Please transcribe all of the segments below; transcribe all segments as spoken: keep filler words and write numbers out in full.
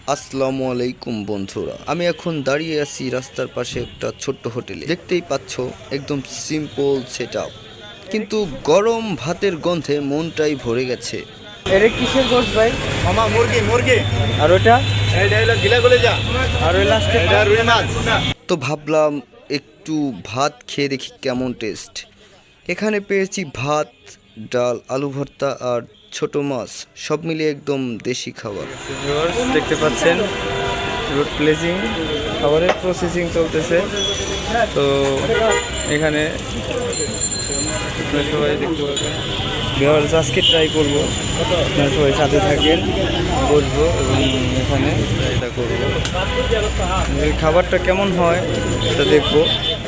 আসসালামু আলাইকুম বন্ধুরা, আমি এখন দাঁড়িয়ে আছি রাস্তার পাশে একটা ছোট্ট হোটেলে। দেখতেই পাচ্ছ একদম সিম্পল সেটআপ, কিন্তু গরম ভাতের গন্ধে মনটাই ভরে গেছে। এটা কিসের গোশত ভাই? মামা মুরগি মুরগি আর ওটা? এটা হলো গিলা কলিজা। আর ওই লাস্টে এটা রুই মাছ। তো ভাবলাম একটু ভাত খেয়ে দেখি কেমন টেস্ট। এখানে পেয়েছি ভাত, ডাল, আলু ভর্তা আর ছোট মাছ, সব মিলিয়ে একদম দেশি খাবার। ভিউয়ার্স দেখতে পাচ্ছেন রুট প্লেসিং খাবারের প্রসেসিং চলতেছে। তো এখানে আপনারা সবাই দেখতে পাবেন। ভিউয়ার্স আজকে ট্রাই করবো, আপনারা সবাই সাথে থাকেন, বসবো এবং এখানে এটা করবো। এই খাবারটা কেমন হয় এটা দেখবো।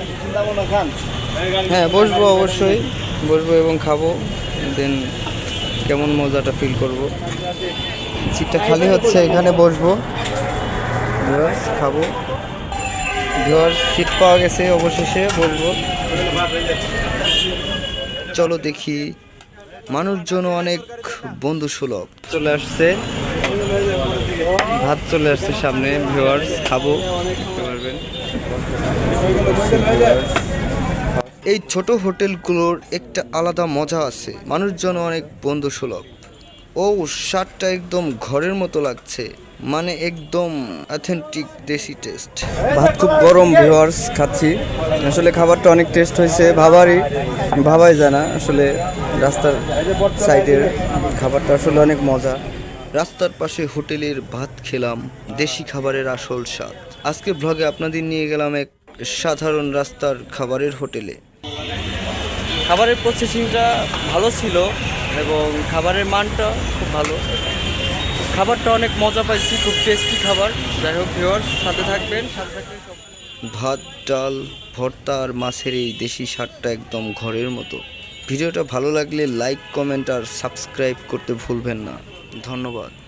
হ্যাঁ বসবো, অবশ্যই বসবো এবং খাবো, দেন কেমন মজাটা ফিল করব। সিটটা খালি হচ্ছে, এখানে বসবো, ভিউয়ার্স খাবো। ভিউয়ার্স সিট পাওয়া গেছে, অবশেষে বসবো। চলো দেখি, মানুষজন অনেক বন্ধু সুলভ। চলে আসছে ভাত, চলে আসছে সামনে। ভিউয়ার্স খাবো, দেখতে পারবেন। এই ছোট হোটেলগুলোর একটা আলাদা মজা আছে, মানুষজন অনেক বন্ধু সুলভ। ও স্বাদটা একদম ঘরের মতো লাগছে, মানে একদম অথেন্টিক দেশি টেস্ট। ভাত খুব গরম, ভিউয়ার্স খাচ্ছি। আসলে খাবারটা অনেক টেস্ট হয়েছে, ভাবারই ভাবাই জানা। আসলে রাস্তার সাইডের খাবারটা আসলে অনেক মজা। রাস্তার পাশে হোটেলের ভাত খেলাম, দেশি খাবারের আসল স্বাদ। আজকে ব্লগে আপনাদের নিয়ে গেলাম এক সাধারণ রাস্তার খাবারের হোটেলে। খাবারের প্রসেসিংটা ভালো ছিল এবং খাবারের মানটা খুব ভালো। খাবারটা অনেক মজা পাইছি, খুব টেস্টি খাবার। যাই হোক ভিউয়ার্স সাথে থাকবেন, সাথে থাকবেন সব। ভাত, ডাল, ভর্তা আর মাছের এই দেশি স্বাদটা একদম ঘরের মতো। ভিডিওটা ভালো লাগলে লাইক, কমেন্ট আর সাবস্ক্রাইব করতে ভুলবেন না। ধন্যবাদ।